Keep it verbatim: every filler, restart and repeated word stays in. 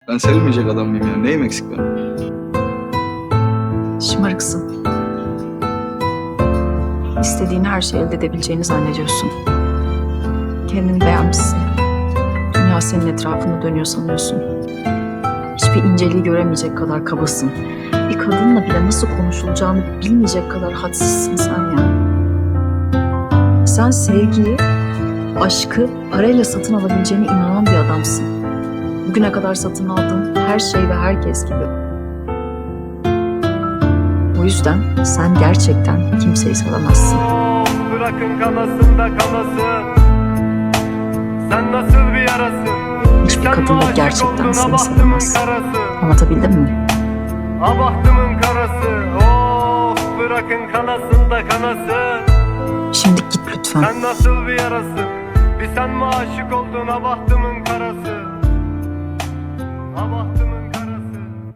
Ben sevilmeyecek adam mıyım ya? Neyim eksik benim? Şımarıksın. İstediğin her şeyi elde edebileceğini zannediyorsun. Kendini beğenmişsin. Dünya senin etrafında dönüyor sanıyorsun. Hiçbir inceliği göremeyecek kadar kabasın. Bir kadınla bile nasıl konuşulacağını bilmeyecek kadar hadsizsin sen ya. Sen sevgiyi, aşkı parayla satın alabileceğine inanan bir adamsın. Bugüne kadar satın aldığın her şey ve herkes gibi. O yüzden sen gerçekten kimseyi sevemezsin. Bırakın kanasın da kanasın. Sen nasıl bir yarasın? Hiçbir Sen kadın da aşık gerçekten oldun, seni abahtımın sevemez. karası. Anlatabildim mi? Abahtımın karası. Of bırakın kanasın da kanasın. Şimdi git lütfen. Sen nasıl bir yarasın? Bir sen mi aşık oldun abahtımın karası? Abahtımın